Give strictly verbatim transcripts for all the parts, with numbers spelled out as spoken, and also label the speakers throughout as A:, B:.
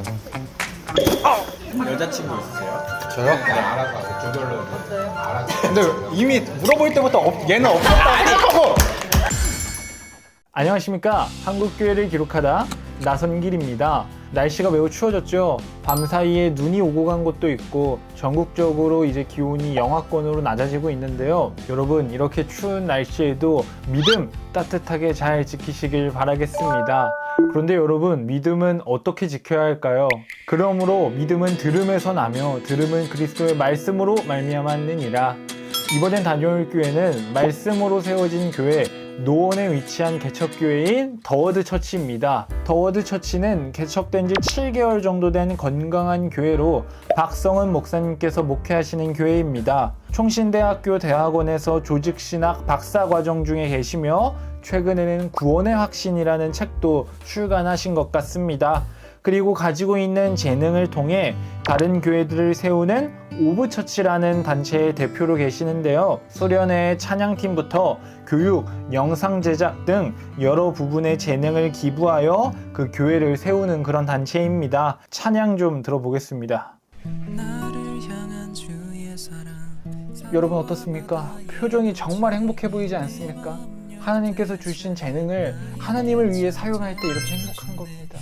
A: 여자친구 있으세요?
B: 저요?
A: 네, 알아서 하세요. 저절로 알아서.
B: 근데 이미 물어볼 때부터 없, 얘는 없었다고 생각하고. 안녕하십니까. 한국교회를 기록하다 나선길입니다. 날씨가 매우 추워졌죠. 밤사이에 눈이 오고 간 곳도 있고 전국적으로 이제 기온이 영하권으로 낮아지고 있는데요. 여러분, 이렇게 추운 날씨에도 믿음 따뜻하게 잘 지키시길 바라겠습니다. 그런데 여러분, 믿음은 어떻게 지켜야 할까요? 그러므로 믿음은 들음에서 나며 들음은 그리스도의 말씀으로 말미암았느니라. 이번엔 다녀올 교회는 말씀으로 세워진 교회 노원에 위치한 개척교회인 더워드 처치입니다. 더워드 처치는 개척된 지 칠 개월 정도 된 건강한 교회로 박성은 목사님께서 목회하시는 교회입니다. 총신대학교 대학원에서 조직신학 박사과정 중에 계시며 최근에는 구원의 확신이라는 책도 출간하신 것 같습니다. 그리고 가지고 있는 재능을 통해 다른 교회들을 세우는 오브처치라는 단체의 대표로 계시는데요. 소련의 찬양팀부터 교육, 영상 제작 등 여러 부분의 재능을 기부하여 그 교회를 세우는 그런 단체입니다. 찬양 좀 들어보겠습니다. 여러분 어떻습니까? 표정이 정말 행복해 보이지 않습니까? 하나님께서 주신 재능을 하나님을 위해 사용할 때 이렇게 행복한 겁니다.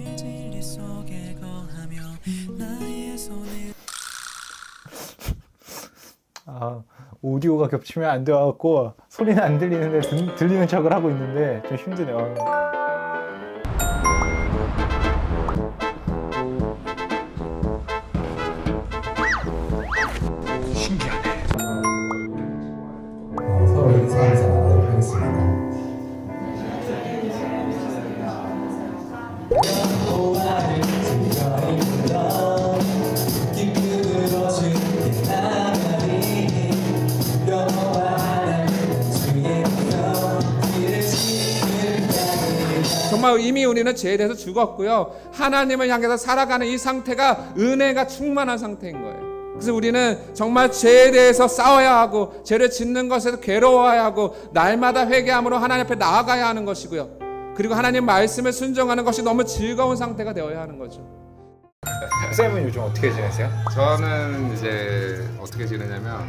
B: 아, 오디오가 겹치면 안 돼갖고 소리는 안 들리는데 들, 들리는 척을 하고 있는데 좀 힘드네요. 신기하네.
C: 어, 서로 인사하면서 나가도록 하겠습니다.
D: 정말 이미 우리는 죄에 대해서 죽었고요. 하나님을 향해서 살아가는 이 상태가 은혜가 충만한 상태인 거예요. 그래서 우리는 정말 죄에 대해서 싸워야 하고 죄를 짓는 것에서 괴로워야 하고 날마다 회개함으로 하나님 앞에 나아가야 하는 것이고요. 그리고 하나님 말씀을 순종하는 것이 너무 즐거운 상태가 되어야 하는 거죠.
B: 쌤은 요즘 어떻게 지내세요?
D: 저는 이제 어떻게 지내냐면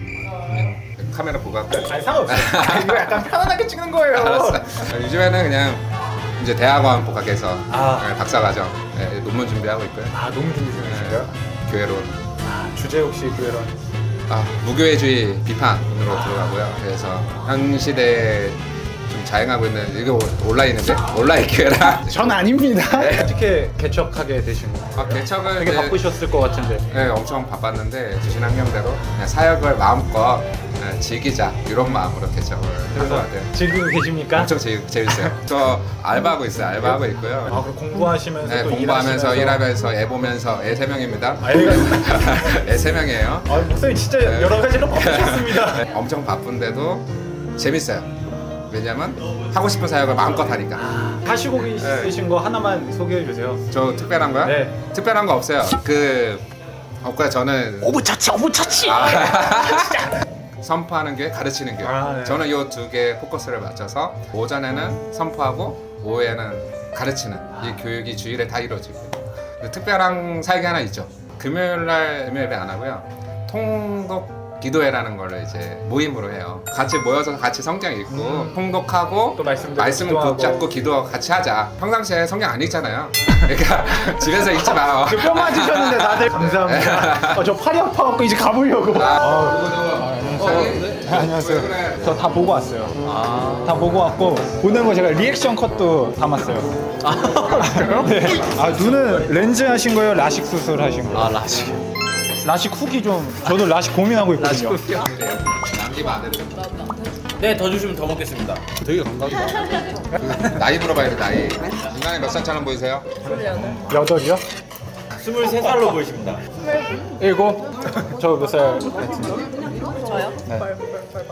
D: 음, 카메라 보고 할까요?
B: 아니 상관없어요. 아, 이거 약간 편안하게 찍는 거예요.
D: 알았어. 요즘에는 그냥 이제 대학원 복학해서
B: 아.
D: 네, 박사과정 네, 논문 준비하고 있고요.
B: 아, 너무 준비 중이신가요?
D: 네, 교회론.
B: 아, 주제 혹시 교회론?
D: 아, 무교회주의 비판으로 아. 들어가고요. 그래서 현 시대에 좀 자행하고 있는 이거 온라인인데 온라인 교회라.
B: 전 아닙니다. 네. 어떻게 개척하게 되신 거예요?
D: 아, 개척을
B: 되게
D: 이제,
B: 바쁘셨을 것 같은데.
D: 네, 엄청 바빴는데 주신 환경대로 그냥 사역을 마음껏 네, 즐기자 이런 마음으로 개척을 한 것 같아요.
B: 지금 계십니까?
D: 엄청 재, 재밌어요. 저 알바하고 있어요. 알바하고 있고요.
B: 아, 그럼 공부하시면서
D: 네,
B: 또
D: 공부하면서
B: 일하시면서.
D: 일하면서 애 보면서 애 세 명입니다.
B: 아, 애가
D: 애 세 명이에요.
B: 아, 목사님 진짜
D: 네.
B: 여러 가지로 바쁘셨습니다.
D: 네, 엄청 바쁜데도 재밌어요. 왜냐면 하고 싶은 사역을 마음껏 하니까.
B: 하시고 계신 거 하나만 소개해 주세요.
D: 저 특별한 거요?
B: 네.
D: 특별한 거 없어요. 그 없고요. 저는
B: 오브처치, 오브처치.
D: 아, 선포하는 게 가르치는 게.
B: 아, 네.
D: 저는 이 두 개 포커스를 맞춰서 오전에는 선포하고 오후에는 가르치는 이 교육이 주일에 다 이루어지고. 특별한 사역이 하나 있죠. 금요일 날 금요 예배 안 하고요. 통독 기도회라는 걸 이제 모임으로 해요. 같이 모여서 같이 성경 읽고
B: 음.
D: 통독하고
B: 또 말씀대로
D: 말씀
B: 기도하고.
D: 붙잡고 기도 같이 하자. 평상시에 성경 안 읽잖아요. 그러니까 집에서 읽지 마요.
B: 뼈 맞으셨는데 다들 감사합니다. 어, 저 팔이 아파갖고 이제 가보려고.
D: 아,
B: 네, 안녕하세요. 저 다 보고 왔어요. 아. 다 보고 왔고 보는 거 제가 리액션 컷도 담았어요. 아, 그래요? 네. 아, 눈은 렌즈 하신 거예요? 라식 수술 하신 거예요?
A: 아 라식.
B: 라식 후기 좀 저도 라식 고민하고 있거든요.
D: 남기면 안 되죠.
A: 네, 더 주시면 더 먹겠습니다. 되게 건강하다.
D: 나이 물어봐야 돼. 나이. 인간이 몇 살처럼 보이세요?
B: 여덟이요?
A: 스물세 살로 보이십니다.
B: 일곱? 저 몇 살 같은데?
E: 저요?
B: 네.
E: 벌, 벌, 벌,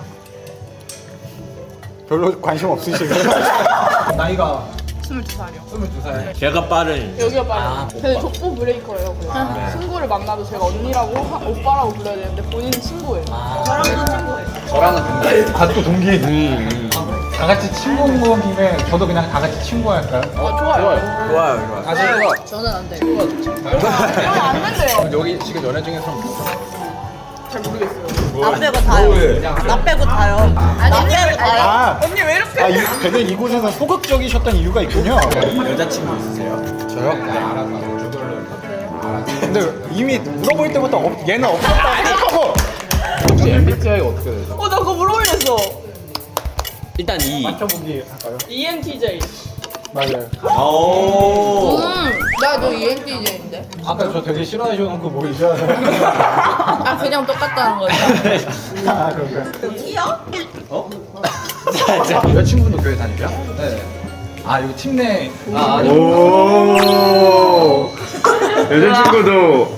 B: 별로 관심 없으시고요. 나이가
E: 스물두 살이요.
B: 스물두 살.
A: 제가 빠른.
E: 여기가 빨리.
A: 아,
E: 저는 족보 브레이커예요. 그냥.
A: 네.
E: 친구를 만나도 제가 언니라고 하- 오빠라고 불러야 되는데 본인은 친구예요.
A: 아.
E: 저랑은 친구예요.
A: 저랑은 동갑.
B: 아, 또 동기.
A: 음, 음.
B: 다 같이 친구 온 거 김에 저도 그냥 다 같이 친구 할까요?
E: 어, 좋아요.
A: 좋아요, 좋아요.
F: 다시 이거
E: 저는 안 돼요. 이러면 안 된대요.
F: 여기 지금 연애 중에 사람
E: 잘 모르겠어요.
G: 나 빼고 다요. 나 빼고 다요. 나 빼고 다요.
B: 아,
E: 언니 왜 이렇게?
B: 아 이, 되게 이곳에서 소극적이셨던 이유가 있군요.
A: 여자친구 있으세요?
B: 저요?
A: 네, 알아서 주별로 이렇게.
B: 근데 이미 물어볼 때부터 없, 얘는 없었다고 생각하고
F: 혹시 엠비티아이가 어떻게 되죠?
E: 어, 나 그거 물어보려했어.
A: 일단 이.
B: 맞춰보기 할까요?
E: 이엔티제이.
B: 맞아요.
A: 오.
E: 음, 나너 이엔티제이인데.
B: 아까 저 되게 싫어하시는 거 보이죠?
E: 아, 그냥 똑같다는 거죠.
B: 아 그런가요?
G: 티요?
B: 여자친구도 교회 다니고요? 네. 아 이거 팀 내.
F: 아 아니
A: 오. 여자친구도.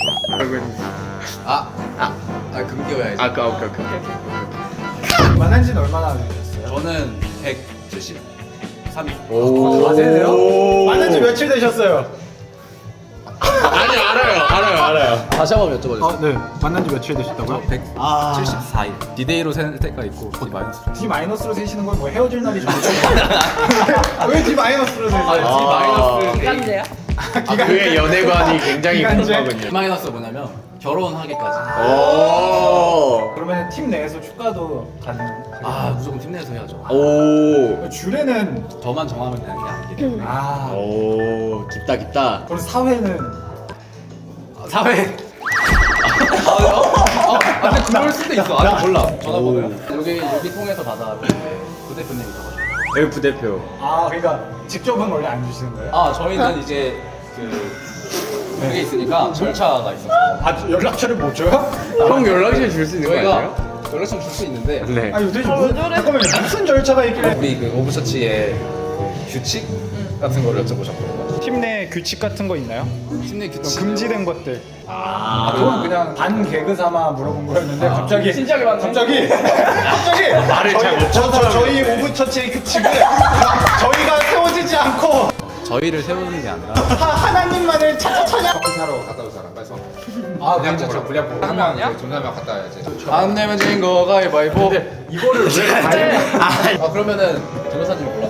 F: 아, 아, 아 금기어야지.
A: 아까 오케이 오케이.
B: 만난 지는 얼마나 되셨어요?
F: 저는 백칠십삼 일.
A: 오.
B: 아세요? 만난 지 며칠 되셨어요?
A: 아니 알아요, 알아요, 알아요.
F: 다시 한번 여쭤봐주세요.
B: 아, 네. 만난 지 며칠 되셨다고요?
F: 백칠십사 일. 디데이로 셀 때가 있고 D 마이너스로.
B: D 마이너스로 세시는 건 뭐 헤어질 날이 정해져 왜 D 마이너스로 세세요?
F: 아, D 마이너스.
E: 기간제야?
A: 아, 그의 연애관이 굉장히
B: 기간제?
A: 궁금하군요.
F: D 마이너스 뭐냐면 결혼하기까지.
A: 오.
B: 그러면 팀 내에서 축가도 가능한?
F: 아 무조건 팀 내에서 해야죠.
A: 오.
B: 주례는
F: 저만 정하면 되는 게 아니기 때문에.
B: 아
A: 오. 깊다 깊다.
B: 그리고 사회는
F: 아, 사회. 아, 어? 어? 아, 근데 그럴 수도 있어. 아직 몰라. 전화번호요. 여기 여기 통해서 받아. 부대표님이 잡아줘.
A: 여기 부대표.
B: 아 그러니까 직접은 원래 안 주시는 거예요?
F: 아 저희는 이제 그 그게 있으니까 절차가 있어서
B: 아 연락처를 못 줘요?
A: 형 연락처 줄 수 있는 거
F: 저희가
A: 아니에요?
F: 연락처 줄 수 있는데
A: 네.
B: 아 요즘 뭐, 잠깐만 무슨 절차가 있길래
F: 우리 그 오브처치의 그 규칙 같은 거를 여쭤보셨거든요.
B: 팀 내 규칙 같은 거 있나요?
F: 팀내 규칙
B: 금지된 것들
F: 아 그건 그냥
B: 반 개그 삼아 물어본 거였는데 갑자기
E: 진지하게 만나.
B: 갑자기 갑자기
A: 말을 잘 못
B: 저, 저, 저희 오브처치의 규칙을 저희가 세워지지 않고
F: 저희를 세우는 게 아니라
B: 하, 하나님만을 찾아 찾아
F: 커피 사러 갔다 올 사람 빨리 서.
B: 아
F: 분량포 분량포 한 명이야? 존나면 갔다 와야지. 안 내면 진 거 가위바위보.
B: 이거를 왜 가요?
F: 아 그러면은 변호사님 골라.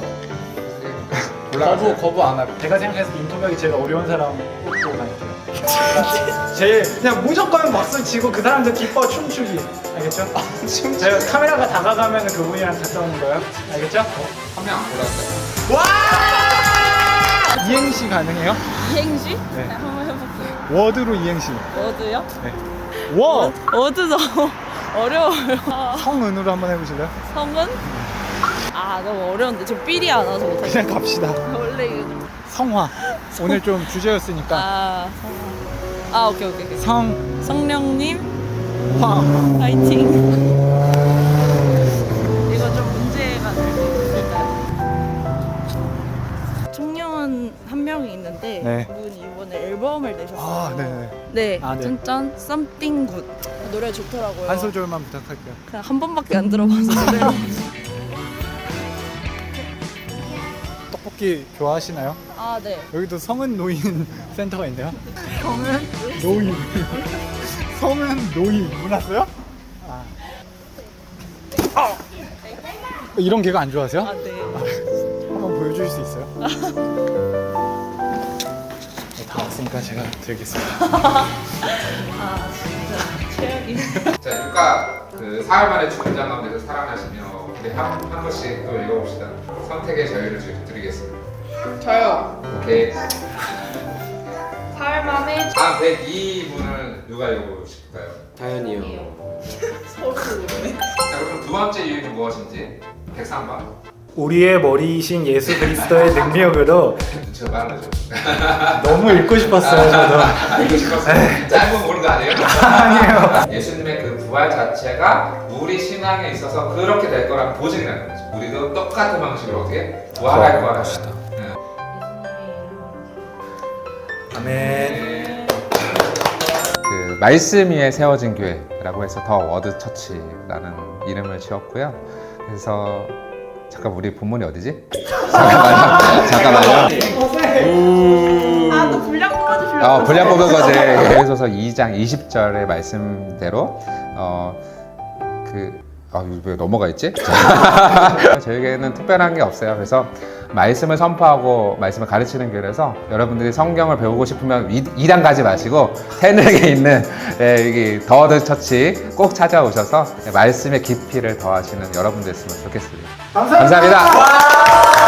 F: 거부 거부 안 하고.
B: 제가 생각해서 인터뷰하기 제일 어려운 사람 뽑고 갈게요. 제일 그냥 무조건 박수 치고 그 사람들 기뻐 춤추기 알겠죠? 춤 제가 카메라가 다가가면 그분이랑 갔다 오는 거예요 알겠죠?
F: 한 명 안 골랐어요.
B: 이행시 가능해요?
G: 이행시?
B: 네.
G: 한번 해볼게요.
B: 워드로 이행시
G: 워드요?
B: 워!
G: 워드 너무 어려워요.
B: 성은으로 한번 해보실래요?
G: 성은? 아 너무 어려운데 저 삘이 안 와서 못하겠어요.
B: 그냥 갑시다
G: 원래 이거 좀...
B: 성화 오늘 좀 주제였으니까
G: 아 성화. 아 오케이 오케이 오케이.
B: 성화
G: 성령님 파이팅. 이거 좀 문제가 될 수 있을까요? 총영은 한 명이 있는데
B: 네.
G: 그분이 이번에 앨범을 내셨어요.
B: 아 네네
G: 네,
B: 아, 네.
G: 짠짠 Something Good 노래 좋더라고요.
B: 한 소절만 부탁할게요
G: 그냥 한 번밖에 안 들어봐서 노래.
B: 떡볶이 좋아하시나요?
G: 아 네.
B: 여기도 성은 노인 센터가 있네요
G: 저는
B: 노인 성은 노인 몰랐어요? 아. 아! 이런 개가 안 좋아하세요?
G: 아 네.
B: 한번 보여줄 수 있어요? 네, 다 왔으니까 제가 드리겠습니다
G: 아 진짜 최악이.
D: 자, 육가 그 사흘 만에 주문장 가운데서 사랑하시며 우리 한, 한 번씩 또 읽어봅시다. 선택의 자유를 주- 드리겠습니다.
E: 저요.
D: 오케이.
E: 사흘 만에
D: 다음 백이 분을 누가 읽어보실까요?
A: 다현이요.
E: 서울 오네.
D: 자, 그럼 두 번째 이유는 무엇인지 백삼 번.
B: 우리의 머리이신 예수 그리스도의 능력으로
D: 눈치가 빠르죠.
B: 너무 읽고 싶었어요 저도
D: 읽고 싶었어요. 짧은 거 모르는 거 아니에요?
B: 아니에요
D: 예수님의 그 부활 자체가 우리 신앙에 있어서 그렇게 될 거란 보증이라는 거죠. 우리도 똑같은 방식으로 어떻게 부활할 거라는. 네.
B: 아멘
D: 네. 그 말씀 위에 세워진 교회라고 해서 더 워드 처치라는 이름을 지었고요. 그래서 잠깐 우리 본문이 어디지? 잠깐만요. 잠깐만요.
E: 아또 분량 뽑아주시려고.
D: 어, 분량 뽑은 거지. 예수서 이 장 이십 절의 말씀대로 어, 그 아, 이거 왜 넘어가 있지? 자, 저에게는 특별한 게 없어요. 그래서 말씀을 선포하고 말씀을 가르치는 교회라서 여러분들이 성경을 배우고 싶으면 이 단 가지 마시고 새내게 있는 예, 여기 더워드 처치 꼭 찾아오셔서 말씀의 깊이를 더하시는 여러분 됐으면 좋겠습니다. 감사합니다. 감사합니다.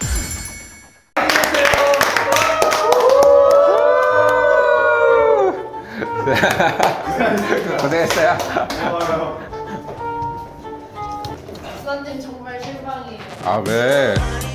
D: 고생했어요.
E: 수산님 정말 실망이에요.
D: 아, 왜?